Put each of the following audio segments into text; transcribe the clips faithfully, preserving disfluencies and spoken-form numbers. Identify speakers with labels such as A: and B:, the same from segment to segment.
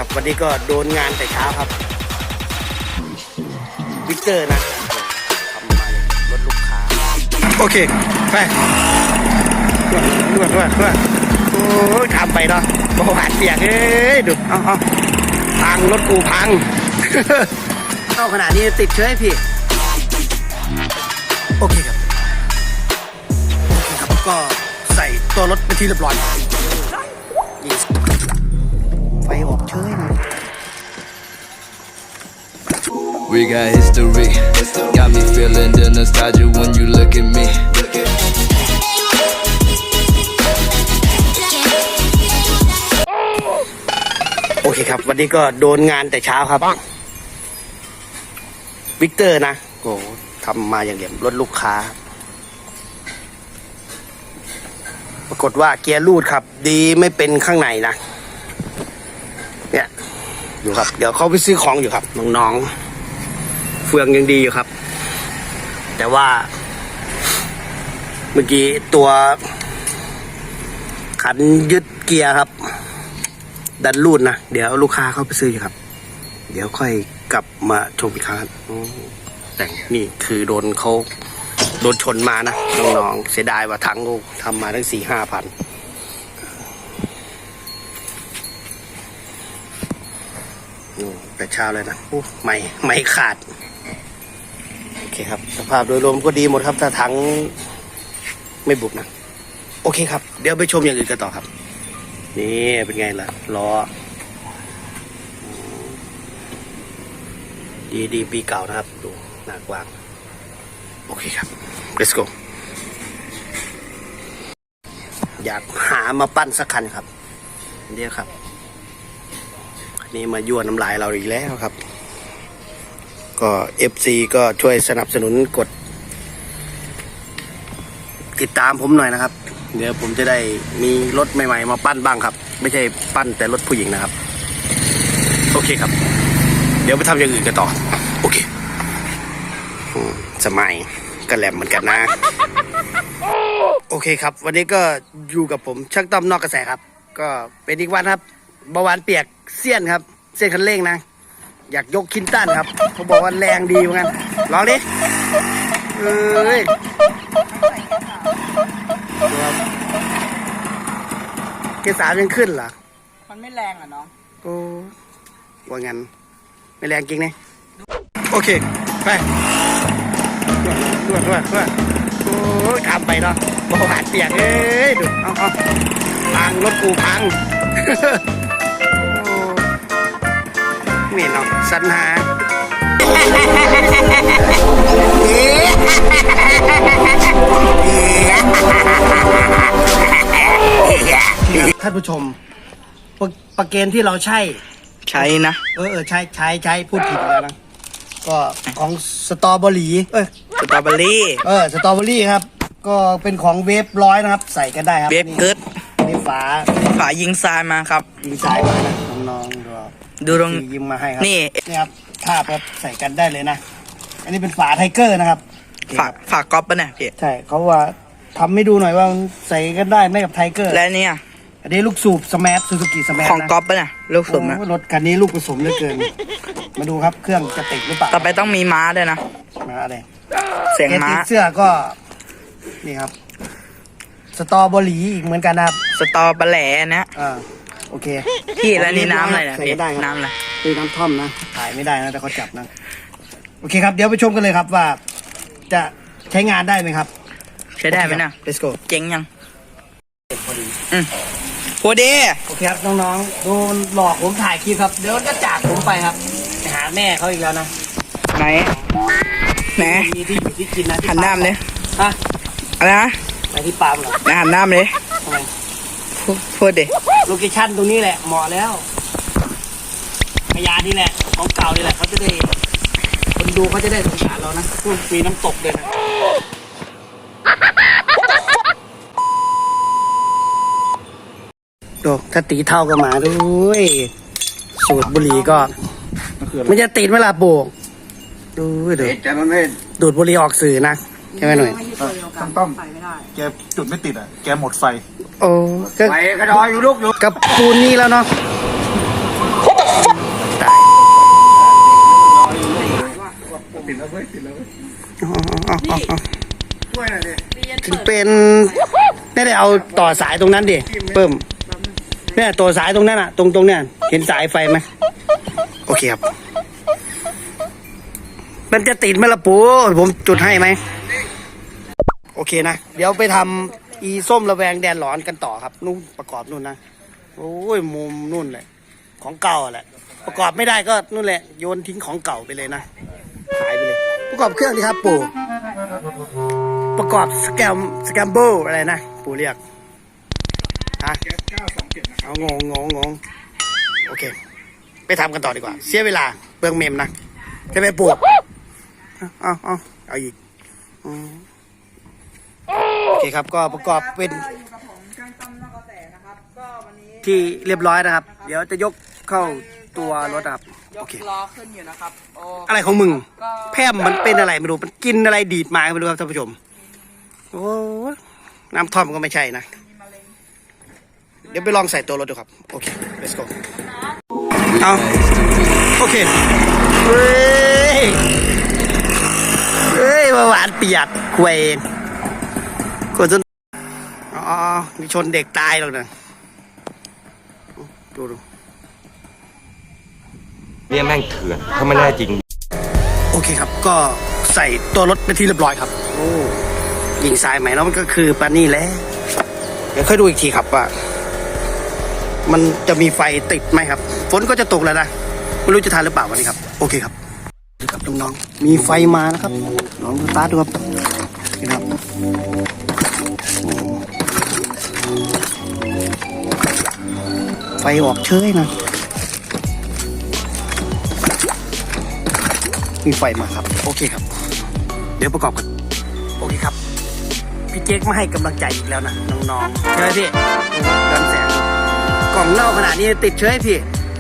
A: ครับวันนี้ก็โดนงานแต่เช้าครับวิกเตอร์นะทำมาเลยรถลูกค้าโอเคไปนวดนวดนวดโอ้ยทำไปเนาะเบาหวานเปียกเอ้ยดูเอาเอาพังรถกูพัง เข้าขนาดนี้ติดเชื้อให้พี่โอเคครับโอเคครับก็ใส่ตัวรถไปที่เรียบร้อยไฟออกเฉยนะ
B: We got history, got me feeling the nostalgia when you look at me.
A: โอเคครับวันนี้ก็โดนงานแต่เช้าครับวิกเตอร์นะโอ้ทำมาอย่างเดียวรถลูกค้าปรากฏว่าเกียร์รูดครับดีไม่เป็นข้างในนะเนี่ยอยู่ครับเดี๋ยวเขาไปซื้อของอยู่ครับน้องๆเฟืองยังดีอยู่ครับแต่ว่าเมื่อกี้ตัวขันยึดเกียร์ครับดันรูดนะเดี๋ยวลูกค้าเขาไปซื้ออยู่ครับเดี๋ยวค่อยกลับมาชมอีกครั้งแต่นี่คือโดนเขาโดนชนมานะน้องๆเสียดายว่าทั้งลูกทำมาทั้งสี่ห้าพันแต่เช้าเลยนะไม่ไม่ขาดโอเคครับสภาพโดยรวมก็ดีหมดครับถ้าทั้งไม่บุบนะโอเคครับเดี๋ยวไปชมอย่างอื่นกันต่อครับนี่เป็นไงล่ะล้อดีดีปีเก่านะครับดูหน้ากว้างโอเคครับ let's go อยากหามาปั้นสักคันครับเดี๋ยวครับอันนี้มายั่วน้ำลายเราอีกแล้วครับก็ เอฟ ซี ก็ช่วยสนับสนุนกดติดตามผมหน่อยนะครับเดี๋ยวผมจะได้มีรถใหม่ๆมาปั้นบ้างครับไม่ใช่ปั้นแต่รถผู้หญิงนะครับโอเคครับเดี๋ยวไปทำอย่างอื่นกันต่อโอเคสมัยก็แหลมเหมือนกันนะโอเคครับวันนี้ก็อยู่กับผมช่างต้อมนอกกระแสครับก็เป็นอีกวันครับเบาหวานเปียกเสี้ยนครับเส้นคันเร่งนะอยากยกคินตันครับเขาบอกว่าแรงดีเหมือนกันลองดิเอ้ยเกสายังขึ้นเหรอ
C: มันไม่แรงอ่ะน้อง
A: โอ้ว่างั้นไม่แรงจริงเนี่ยโอเคไปนวดนวดนวดโอ้ยทำไปเนาะเบาหวานเปียกเอ้ยดูเอาเอาพังรถกูพังนี่เนาะสัญหาท่านผู้ชมประเกณฑ์ที่เราใช้
C: ใช้นะ
A: เออเออใช้ใช้ใช้พูดผิดแล้วนะก็ของสตรอเบอรี่เออ
C: สตรอเบอรี่
A: เออสตรอเบอรี่ครับก็เป็นของเวฟร้อยนะครับใส่กันได้ครับ
C: เวฟเกิร์ด
A: นี่ฝา
C: ฝายิงทรายมาครับ
A: ยิงทรายมานะน้องๆดู
C: ดูตรง
A: ยิงมาให้ครับ
C: นี่
A: นี่ครับภาพครับใส่กันได้เลยนะอันนี้เป็นฝาไทเกอร์นะครับ
C: ฝาฝาก๊อปปะเนี่ยพี่
A: ใช่เขาว่าทำให้ดูหน่อยว่าใส่กันได้ไหมกับไทเกอร์
C: และเนี่ย
A: อันนี้ลูกสูบสมาร์ทซูซูกิสมาร์ท
C: ของก๊อปปะเนี่ยลูกสูบนะ
A: รถคันนี้ลูกผสมเหลือเกินมาดูครับเครื่องจะติดหรือเปล่า
C: ต่อไปต้องมีม้าด้วยนะ
A: ม้าอะไร
C: เสียงม้า
A: เสื้อก็นี่ครับสตรอเบอรี่อีกเหมือนกันนะครับ
C: สตอปลาแหล่นะ
A: อ่าโอเค
C: พี่แล้วนี่น้ำอะไรนะพี่น้ำอะไร
A: คือน้ำท่อมนะถ่ายไม่ได้นะแต่เขาจับนะโอเคครับเดี๋ยวไปชมกันเลยครับว่าจะใช้งานได้ไหมครับ
C: ใช้ได้ไหมนะ
A: let's go
C: เจ๋งยัง
A: พอดี
C: อืมพอดี
A: โอเคครับน้องๆโดนหลอกผมถ่ายคลิปครับเดี๋ยวจะจากผมไปครับไปหาแม่เขาอีกแล้วนะ
C: ไหนไหน
A: ที่อยู่ที่กินนะ
C: หันหน้าเลย
A: ฮะ
C: อะไรนะ
A: ไปที่ปั๊มเหรอ
C: หันหน้าเลย
A: ทำไม
C: พูดดิ
A: โลเคชั่นตรงนี้แหละเหมาะแล้วพยานี่แหละของเก่านี่แหละเขาจะได้คนดูเขาจะได้สงสารเรานะพวกมีน้ำตกเลยนะดูถ้าตีเท่ากันมาด้วยสูตรบุหรี่ก็มันจะติดเวลาปลูกดูดูดูดบุหรี่ออกสื่อนะใช่ไหมหน่อย
D: ต้องต้องแกจุดไม่ติดอ่ะแกหมดไฟ
A: โอ้
D: ไฟกระดอยอยู่ลูกอยู่
A: กับปูนนี่แล้วเนาะ
D: ติดแล้วเว้ยติดแล้วเว้ย
A: อ๋ออ๋ออ๋ออ๋อ
D: ช่วยหน่อยดิ
A: ถึงเป็นไม่ได้เอาต่อสายตรงนั้นดิเพิ่มเนี่ยตัวสายตรงนั้นอ่ะ ตรงตรงเนี่ยเห็นสายไฟไหมโอเคครับ มันจะติดไหมล่ะปูผมจุดให้ไหมโอเคนะเดี๋ยวไปทำอีส้มระแวงแดนหลอนกันต่อครับนู่นประกอบนู่นนะโอ้ยมุมนู่นเลยของเก่าแหละประกอบไม่ได้ก็นู่นแหละโยนทิ้งของเก่าไปเลยนะหายไปเลย ประกอบเครื่องดีครับปู่ประกอบสแกมสแกมเบิลอะไรนะปู่เรียกฮะ
D: แก๊สเก้าสองเจ็ดนะ
A: เอางงงงงงโอเค ไปทำกันต่อดีกว่า เสียเวลาเปลืองเมมนะจะไปปู่เอาเอาเอาอีกอืมโอเคครับก็ประกอบเป็นที่เรียบร้อยนะครับ เดี๋ยวจะยกเข้าตัวรถครับ
C: ย
A: โอก เค
C: ล้อขึ้นอยู่นะครับโอ้
A: อะไรของมึงแพร่มมันเป็นอะไรไม่รู้มันกินอะไรดีดมาไม่รู้ครับท่านผู้ชมโอ้น้ำท่อมก็ไม่ใช่นะเดี๋ยวไปลองใส่ตัวรถดูครับโอเค let's go เอาโอเคเฮ้ยเฮ้ยมาหวานเปียกควยคนจนอ๋อมีชนเด็กตายหรอกนะดูดู
E: เนี่ยแม่งเถื่อนถ้าไม่แน่จริง
A: โอเคครับก็ใส่ตัวรถเป็นที่เรียบร้อยครับโอ้ยิงสายใหม่แล้วมันก็คือปานี่แหละเดี๋ยวค่อยดูอีกทีครับว่ามันจะมีไฟติดไหมครับฝนก็จะตกแล้วนะไม่รู้จะทันหรือเปล่าวันนี้ครับโอเคครับดูครับน้องๆมีไฟมานะครับลองดูตาดูครับนี่ครับโอ้ไฟออกเชยนะมีไฟมาครับโอเคครับเดี๋ยวประกอบกันโอเคครับพี่เจ๊กมาให้กำลังใจอีกแล้วนะน้องๆใช่ไหมพี่ย้อนแสงกล่องเหล้าขนาดนี้ติดเชื้อให้พี่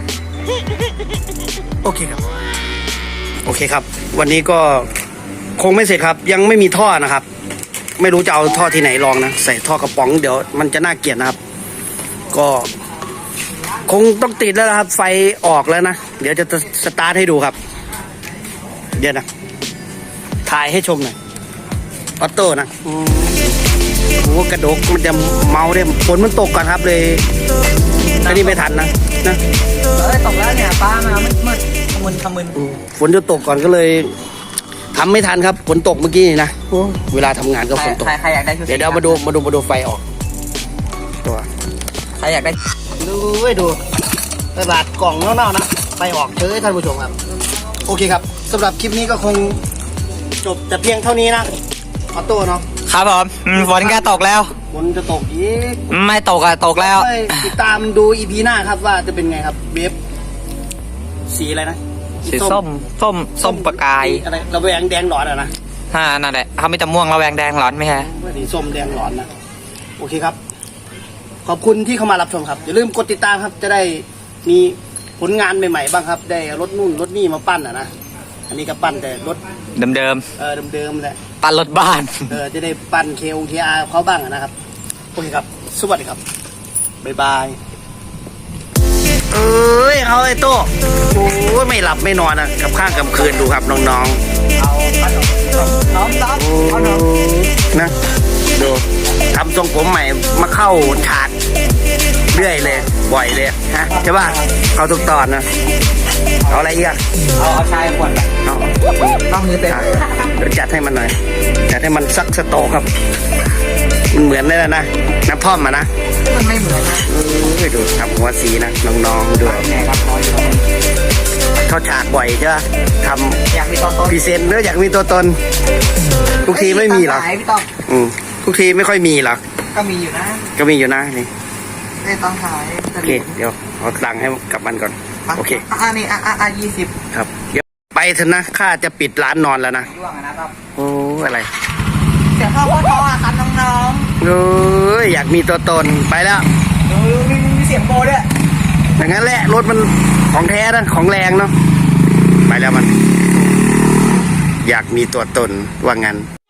A: โอเคครับโอเคครับ วันนี้ก็คงไม่เสร็จครับ ยังไม่มีท่อนะครับ ไม่รู้จะเอาท่อที่ไหนลองนะใส่ท่อกระป๋องเดี๋ยวมันจะน่าเกลียดนะครับ ก็คงต้องติดแล้วนะครับ ไฟออกแล้วนะเดี๋ยวจะสตาร์ทให้ดูครับเดี๋ยวนะถ่ายให้ชมหน่อยออโต้นะโอ้โหกระดกมันจะเมาเนี่ยฝนมันตกก่อนครับเลยอันนี้ไม่ทันนะนะ
C: เอ้ยตกแล้วเนี่ยป้ามามืดมืดขมึนขมึน
A: อืมฝนจะตกก่อนก็เลยทำไม่ทันครับฝนตกเมื่อกี้นี่นะโอ้เวลาทำงานก็ฝนตก
C: ใครใครอยากได้ชุด
A: เดี๋ยวเดี๋ยวมาดูมาดูมาดูไฟออกตัว
C: ใครอยากได้
A: ดูไว้ดูตลาดกล่องเน่าๆนะไฟออกเฉยท่านผู้ชมครับโอเคครับสำหรับคลิปนี้ก็คงจบแต่เพียงเท่านี้นะออโต้เนาะ
C: ครับผมอืมฝนแกตกแล้ว
A: ฝนจะตกอีก
C: ไม่ตกอะตกแล้ว
A: ไปติดตามดูอีพีหน้าครับว่าจะเป็นไงครับเวฟสีอะไรนะ
C: สีส้มส้มส้มประกาย
A: อะไรระแวงแดงหลอนอะนะ
C: ฮ่านั่นแหละเขาไม่จะม่วงระแวงแดงร้อนไหมฮะ
A: สีส้มแดงหลอนนะโอเคครับ ขอบคุณที่เข้ามารับชมครับอย่าลืมกดติดตามครับจะได้มีผลงานใหม่ๆบ้างครับ ได้รถนู่นรถนี่มาปั้นอะนะอันนี้ก็ปั้นแต่รถ
C: เดิมเดิม
A: เออเดิมๆแหละ
C: ๆปันรถบ้าน
A: เออจะได้ปั้นเคโอทีอาร์เขาบ้างอะนะครับโอเคครับสวัสดีครับบ๊ายบายเอ้ยเอาไอ้โต้โอ้ยไม่หลับไม่นอนนะกับข้างกับคืนดูครับน้องๆ
C: เอาขนมน้องน้องเอาน้อง
A: นะดูทำทรงผมใหม่มาเข้าฉากเรื่อยเลยบ่อยเลยฮะใช่ป่ะเข้าทุกตอนนะเอาอะไรอีกอะ
C: เอาเอาชายขวด
A: เอา
C: ต้องมือเต็ม
A: เดี๋ยวจัดให้มันหน่อยจัดให้มันซักสโตครับ มันเหมือนได้แล้วนะน้ำท่อมมานะ
C: มันไม่เหมือนนะ
A: เอ้ยดูทำหัวสีนะน้องๆดู
C: แหนครับน้อยอยู่
A: เข้าฉากบ่อยใช่ป่ะท
C: อยากมีตอนต้น
A: ำพรีเซนต์เนื้ออยากมีตัวตนทุกทีไม่มีหรอก
C: ไหนพี่ต้อง
A: อืมทุกทีไม่ค่อยมีหรอก
C: ก็มีอยู่นะ
A: ก็มีอยู่นะนี่
C: ในตอนขาย
A: โอเค เดี๋ยวขอสั่งให้กับมันก่อน โอเค
C: อ่านี่อ่าอ่ายี่สิบ
A: ครับ เดี๋ยวไปเถอะนะ ข้าจะปิดร้านนอนแล้วนะ
C: ร่วงอะนะครับ
A: โอ้อะไร
C: เสียงพ่อพ่อพ่อครับน้อง
A: โอ้ยอยากมีตัวตน ไปแล้ว
C: ๆดูมีมีเสียงโบด้วย
A: อย่างนั้นแหละ รถมันของแท้นะ ของแรงเนาะ ไปแล้วมัน อยากมีตัวตน ว่างั้น